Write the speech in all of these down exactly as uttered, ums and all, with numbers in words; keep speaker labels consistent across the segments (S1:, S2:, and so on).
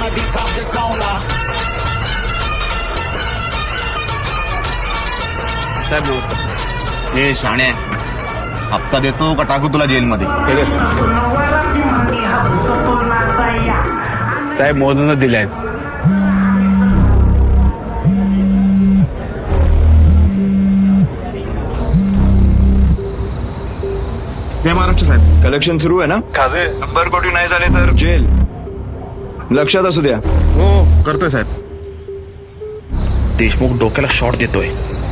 S1: साहेब नमस्कार.
S2: हे शाणे हप्ता देतो का टाकू तुला जेलमध्ये?
S1: ठीक आहे साहेब. साहेब मोदींना दिले आहेत.
S2: जय महाराष्ट्र साहेब.
S3: कलेक्शन सुरू आहे ना?
S2: खाजे
S3: शंभर कोटी नाही झाले तर जेल. लक्षात असू द्या.
S2: हो करतोय साहेब. देशमुख डोक्याला शॉट देतोय.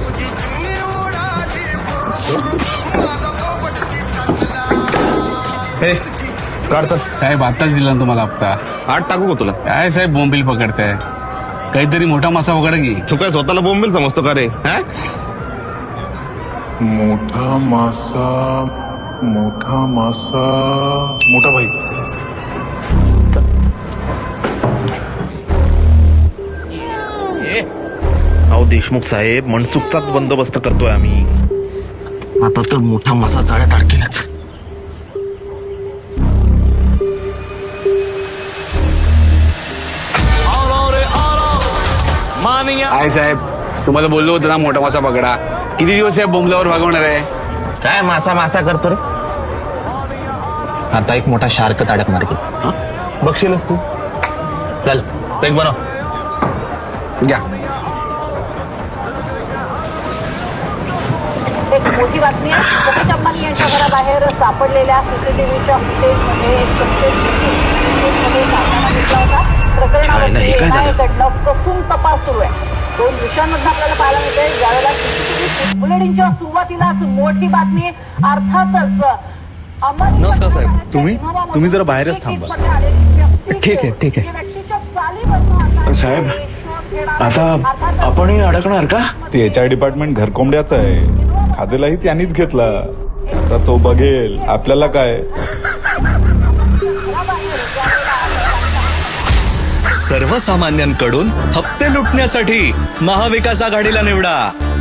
S2: हे काढतात
S1: साहेब आताच दिला ना तुम्हाला हप्ता.
S2: आठ टाकू का तुला?
S1: काय साहेब बोंबील पकडताय? काहीतरी मोठा मासा पकड की.
S2: तू काय स्वतःला बोंबील समजतो का रे?
S4: मोठा मासा मोठा मासा मोठा भाई.
S2: अहो देशमुख साहेब मनसुखचाच बंदोबस्त करतोय आम्ही. आता तर मोठा मासा जाळ्यात अडकेलाच.
S1: काय साहेब तुम्हाला बोललो होतं ना मोठा मासा पकडा. किती दिवस साहेब बोंबल्यावर भागवणार आहे?
S2: काय मासा मासा करतो रे? आता एक मोठा शार्क ताडक मार्के बघशीलच तू. चल पेक बनव.
S1: घ्या.
S5: एक मोठी बातमी आहे. मुकेश अंबानी यांच्या घराबाहेर सापडलेल्या सीसीटीव्हीच्या फुटेजमध्ये एक संशयित व्यक्ती सापळा घेतला होता. प्रकरणावरती एनआयएकडनं कसून तपास सुरू आहे. दोन दिवसांमध्ये आपल्याला पाहायला मिळते ज्यावेळेला सीसीटीव्ही बुलेटिनच्या सुरुवातीलाच मोठी बातमी. अर्थातच
S6: नमस्कार साहेब.
S4: तुम्ही तुम्ही जरा बाहेरच थांबा.
S6: ठीक आहे ठीक आहे.
S3: साहेब आता आपणही अडकणार का?
S4: ते एच आर डिपार्टमेंट घरकोंबड्याचं आहे. खातेलाही त्यांनीच घेतला. त्याचा तो बघेल. आपल्याला काय?
S7: सर्वसामान्यांकडून हप्ते लुटण्यासाठी महाविकास आघाडीला निवडा.